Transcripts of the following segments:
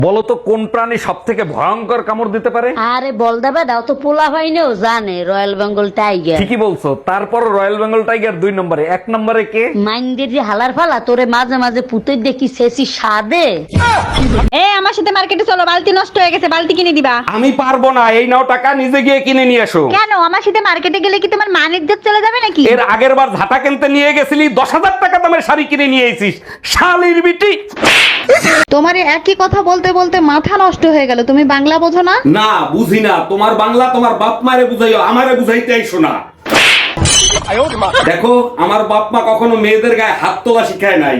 বলো তো কোন প্রাণী সব থেকে ভয়ঙ্কর কামড় দিতে পারে? আরে বল দেবে দাও তো, পোলা ভাইনেও জানে রয়্যাল বেঙ্গল টাইগার। ঠিকই বলছো, তারপর রয়্যাল বেঙ্গল টাইগার 2 নম্বরে, 1 নম্বরে কে? মাইন্ডের যে হালার ফালা তোরে মাঝে মাঝে পুতে দেখি শেষি সাদে। আমার সাথে মার্কেটে চলো, বালতি নষ্ট হয়ে গেছে, বালতি কিনে দিবা। আমি পারবো না, এই নাও টাকা, নিজে গিয়ে কিনে নিয়ে এসো। কেন? আমার সাথে মার্কেটে গেলে কি তোমার মান ইজ্জত চলে যাবে নাকি? এর আগের বার ঝাঁটা কিনতে নিয়ে গেছিলি, 10,000 টাকা দামের শাড়ি কিনে নিয়ে এসেছিস, শালির বিটি। তোমার একই কথা বলতে বলতে মাথা নষ্ট হয়ে গেল, তুমি বাংলা বোঝো না? না বুঝি না, তোমার বাংলা তোমার বাপ মারে বুঝাইও, আমারে বুঝাইতে আইসো না। দেখো, আমার বাপ মা কখনো মেয়েদের গায়ে হাত তোলা শিখায় নাই।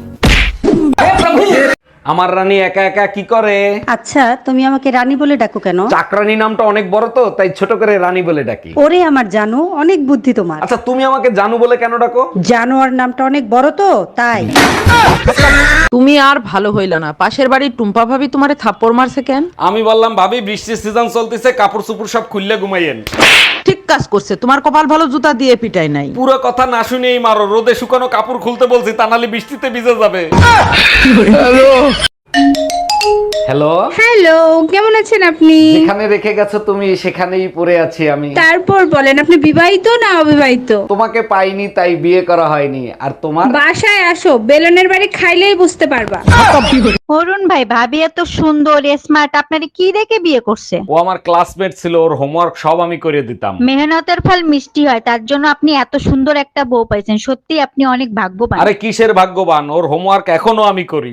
আমার রানী একা একা কি করে? আচ্ছা, তুমি আমাকে রানী বলে ডাকো কেন? চাকরানী নামটা অনেক বড় তো, তাই ছোট করে রানী বলে ডাকি। ওরে আমার জানো, অনেক বুদ্ধি তোমার। আচ্ছা, তুমি আমাকে জানু বলে কেন ডাকো? জানোয়ার নামটা অনেক বড় তো, তাই। তুমি আর ভালো হইলা না। পাশের বাড়ির টুম্পা ভাবি তোমারে থাপ্পড় মারছে কেন? আমি বললাম ভাবি বৃষ্টির সিজন চলতেছে, কাপড় চুপড় সব খুললে ঘুমাইয়েন। ঠিক কাজ করছে, তোমার কপাল ভালো জুতা দিয়ে পিটাই নাই। পুরো কথা না শুনেই মারো, রোদে শুকানো কাপড় খুলতে বলছি, তা নাহলে বৃষ্টিতে ভিজে যাবে। হ্যালো, হ্যালো, কেমন আছেন আপনি? যেখানে রেখে গেছো তুমি সেখানেই পড়ে আছি আমি। তারপর বলেন, আপনি বিবাহিত না অবিবাহিত? তোমাকে পাইনি তাই বিয়ে করা হয়নি। আর তোমার? বাসায় আসো, বেলনের বাড়ি খাইলেই বুঝতে পারবা। অরুণ ভাই, ভাবি এত সুন্দর স্মার্ট, আপনারে কি দেখে বিয়ে করছে? ও আমার ক্লাসমেট ছিল, ওর হোমওয়ার্ক সব আমি করে দিতাম। মেহনতের ফল মিষ্টি হয়, তার জন্য আপনি এত সুন্দর একটা বউ পাইছেন। সত্যি আপনি অনেক ভাগ্যবান। আরে কিসের ভাগ্যবান, ওর হোমওয়ার্ক এখনো আমি করি।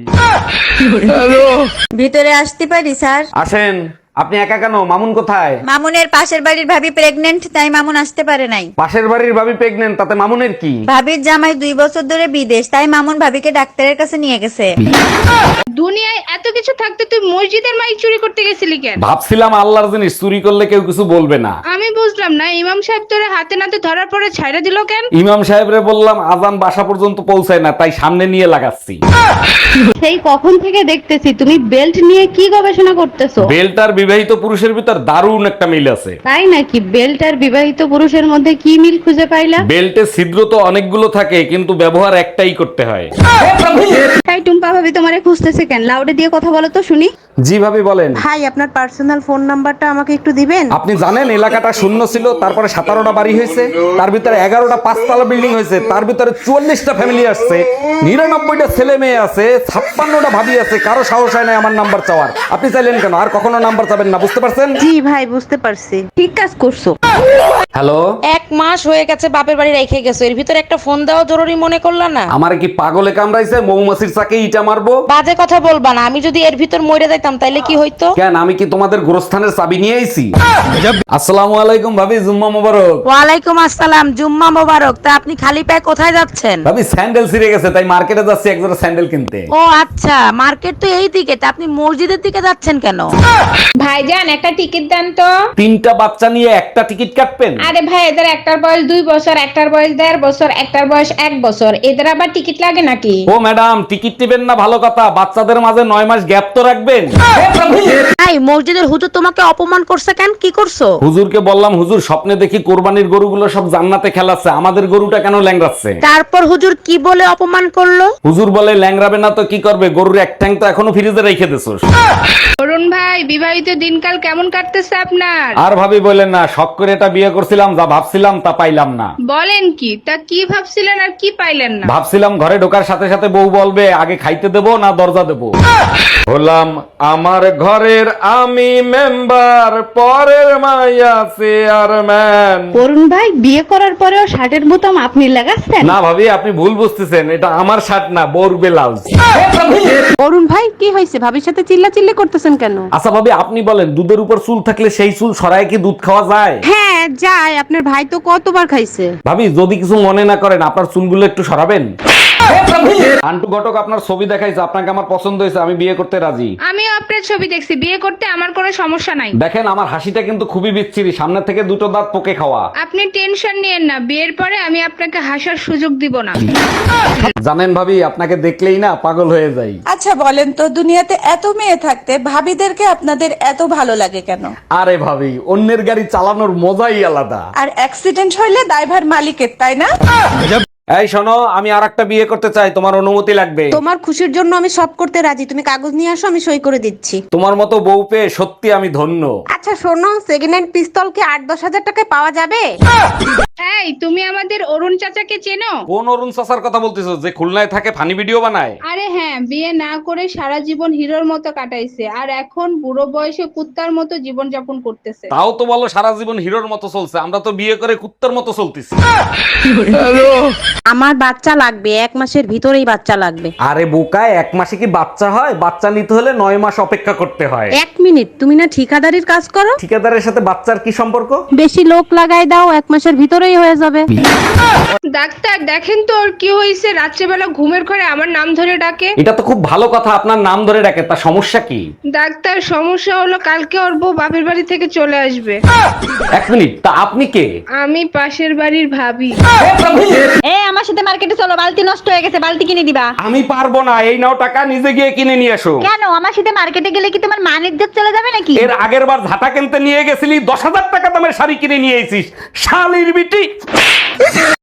ভিতরে আসতে পারি স্যার? আসেন। আপনি একা কেন? মামুন কোথায়? মামুনের পাশের বাড়ির ভাবি প্রেগনেন্ট, তাই মামুন আসতে পারে নাই। পাশের বাড়ির ভাবি প্রেগনেন্ট, তাতে মামুনের কি? ভাবির জামাই 2 বছর ধরে বিদেশ, তাই মামুন ভাবিকে ডাক্তারের কাছে নিয়ে গেছে। দুনিয়ায় এত কিছু থাকতে তুই মসজিদের মাইক চুরি করতে গেছিলি কেন? ভাবছিলাম আল্লাহর জিনিস চুরি করলে কেউ কিছু বলবে না। আমি বুঝলাম না, ইমাম সাহেব তোরে হাতে নাতে ধরার পরে ছাইড়া দিল কেন? ইমাম সাহেবরে বললাম আজান বাসা পর্যন্ত পৌঁছায় না, তাই সামনে নিয়ে লাগাচ্ছি। সেই কখন থেকে দেখতেছি তুমি বেল্ট নিয়ে কি গবেষণা করতেছো? বেল্ট আর বিবাহিত পুরুষের ভিতর দারুণ একটা মিল আছে। তাই নাকি? বেল্ট আর বিবাহিত পুরুষের মধ্যে কি মিল খুঁজে পাইলা? বেল্টে ছিদ্র তো অনেকগুলো থাকে, কিন্তু ব্যবহার একটাই করতে হয়। তাই টুম্পা ভাবি তোমারে খুঁজতেছে কেন? লাউডে দিয়ে কথা বলো তো শুনি। জি ভাবি বলেন। ভাই, আপনার পার্সোনাল ফোন নাম্বারটা আমাকে একটু দিবেন? আপনি জানেন এলাকাটা শূন্য ছিল, তারপরে 17টা বাড়ি হয়েছে, তার ভিতরে 11টা 5তলা বিল্ডিং হয়েছে, তার ভিতরে 44টা ফ্যামিলি আসছে, 99টা ছেলে মেয়ে আছে, 56টা ভাবি আছে, কারো সাহস হয় না আমার নাম্বার চাওয়ার। আপনি চাইলেন কেন? আর কখনো নাম্বার চাবেন না, বুঝতে পারছেন? জি ভাই, বুঝতে পারছি। ঠিক কাজ করছো। হ্যালো, 1 মাস হয়ে গেছে বাপের বাড়ি রেখে গেছো, এর ভিতরে একটা ফোন দেওয়া জরুরি মনে করলা না? আমার কি পাগলে কামড়াইছে? মৌমাছির চাকে ইটা মারবো? বাজে কথা বলবা না, আমি যদি এর ভিতর মরে যাইতাম তাইলে কি হইতো? কেন, আমি কি তোমাদের গোরস্থানের চাবি নিয়ে আইছি? আসসালামু আলাইকুম ভাবি, জুম্মা মোবারক। ওয়ালাইকুম আসসালাম, জুম্মা মোবারক। তা আপনি খালি পায়ে কোথায় যাচ্ছেন? ভাবি স্যান্ডেল ছিঁড়ে গেছে, তাই মার্কেটে যাচ্ছি এক জোড়া স্যান্ডেল কিনতে। ও আচ্ছা, মার্কেট তো এই দিকে, তা আপনি মসজিদের দিকে যাচ্ছেন কেন? ভাইজান, একটা টিকিট দেন তো। 3টা বাচ্চা নিয়ে একটা টিকিট কাটবেন? আরে ভাই, এদের একটার বয়স 2 বছর, একটার বয়স 1.5 বছর, একটার বয়স 1 বছর, এদের আবার টিকিট লাগে নাকি? ও ম্যাডাম, টিকিট নেবেন না ভালো কথা, বাচ্চাদের মাঝে 9 মাস গ্যাপ তো রাখবেন। এই মসজিদের হুজুর তোমাকে অপমান করছে কেন? কি করছো? হুজুরকে বললাম হুজুর স্বপ্নে দেখি কোরবানির গরুগুলো সব জান্নাতে খেলাচ্ছে, আমাদের গরুটা কেন ল্যাংড়াচ্ছে? তারপর হুজুর কি বলে অপমান করলো? হুজুর বলে ল্যাংড়াবে না তো কি করবে, গরুর এক ঠ্যাং তো এখনো ফ্রিজে রেখে দিছোস। অরুণ ভাই, বিবাহিত দিনকাল কেমন কাটতেছে আপনার? আর ভাবি বলেন না, শখ করে এটা বিয়ে করছিলাম, যা ভাবছিলাম তা পাইলাম না। বলেন কি? তা কি ভাবছিলেন আর কি পাইলেন না? ভাবছিলাম ঘরে ঢোকার সাথে সাথে বউ বলবে আগে খাইতে দেবো না দরজা দেবো। হলাম আমার ঘরের আমি মেম্বার, পরের মাইয়া চেয়ারম্যান। অরুণ ভাই, বিয়ে করার পরেও শার্টের বোতাম আপনি লাগাচ্ছেন? না ভাবি, আপনি ভুল বুঝতেছেন, এটা আমার শার্ট না, বোর ব্লাউজ। অরুণ ভাই, কি হয়েছে? ভাবির সাথে চিল্লাচিল্লি করতেছেন কেন? আচ্ছা ভাবি, আপনি বলেন দুধের উপর চুল থাকলে সেই চুল সরায় কি দুধ খাওয়া যায়? হ্যাঁ যায়, আপনার ভাই তো কতবার খাইছে। ভাবি যদি কিছু মনে না করেন, আপনার চুলগুলো একটু সরাবেন। আন্টু ঘটক আপনার ছবি দেখাইছে, আপনাকে আমার পছন্দ হয়েছে, আমি বিয়ে করতে রাজি। আমিও আপনার ছবি দেখছি, বিয়ে করতে আমার কোনো সমস্যা নাই। দেখেন আমার হাসিটা কিন্তু খুবই বিচ্ছিরি, সামনে থেকে 2টো দাঁত পোকে খাওয়া। আপনি টেনশন নিয়েন না, বিয়ের পরে আমি আপনাকে হাসার সুযোগ দিব না। জানেন ভাবি, আপনাকে দেখলেই না পাগল হয়ে যাই। আচ্ছা বলেন তো, দুনিয়াতে এত মেয়ে থাকতে ভাবিদেরকে আপনাদের এত ভালো লাগে কেন? আরে ভাবি, অন্যের গাড়ি চালানোর মজাই আলাদা। আর অ্যাক্সিডেন্ট হইলে দায়ভার মালিকের, তাই না? এই শোনো, আমি আরেকটা বিয়ে করতে চাই, তোমার অনুমতি লাগবে। তোমার খুশির জন্য আমি সব করতে রাজি, তুমি কাগজ নিয়ে আসো, আমি সই করে দিচ্ছি। তোমার মতো বউ পেয়ে সত্যি আমি ধন্য। আচ্ছা শোনো, সেকেন্ড হ্যান্ড পিস্তল কি 8-10 হাজার টাকায় পাওয়া যাবে? এই তুমি আমাদের অরুণ চাচাকে চেনো? কোন অরুণ চাচার কথা বলতেছো, যে খুলনায় থাকে ফানি ভিডিও বানায়? আরে হ্যাঁ, বিয়ে না করে সারা জীবন হিরোর মতো কাটাইছে আর এখন বুড়ো বয়সে কুত্তার মতো জীবন যাপন করতেছে। তাও তো বলো সারা জীবন হিরোর মতো চলছে, আমরা তো বিয়ে করে কুত্তার মতো চলতেছি। আমার বাচ্চা লাগবে, 1 মাসের ভিতরেই বাচ্চা লাগবে। আরে বোকা, 1 মাসে কি বাচ্চা হয়? বাচ্চা নিতে হলে 9 মাস অপেক্ষা করতে হয়। 1 মিনিট, তুমি না ঠিকাদারির কাজ করো? ঠিকাদারের সাথে বাচ্চার কি সম্পর্ক? বেশি লোক লাগাই দাও, 1 মাসের ভিতরেই হয়ে যাবে। ডাক্তার দেখেন তো ওর কি হয়েছে, রাত্রেবেলা ঘুমের ঘরে আমার নাম ধরে ডাকে। এটা তো খুব ভালো কথা, আপনার নাম ধরে ডাকে, তা সমস্যা কি? ডাক্তার সমস্যা হলো কালকে ওর বউ বাপের বাড়ি থেকে চলে আসবে। 1 মিনিট, তা আপনি কে? আমি পাশের বাড়ির ভাবি। এ আমার সাথে মার্কেটে চলো, বালতি নষ্ট হয়ে গেছে, বালতি কিনে দিবা। আমি পারবো না, এই নাও টাকা, নিজে গিয়ে কিনে নিয়ে এসো। কেন, আমার সাথে মার্কেটে গেলে কি তোমার মান ইজ্জত চলে যাবে নাকি? এর আগের বার ঝাঁটা কিনতে নিয়ে গেছিলি, 10,000 টাকা দামের শাড়ি কিনে নিয়ে এসিস, শালির বিটি।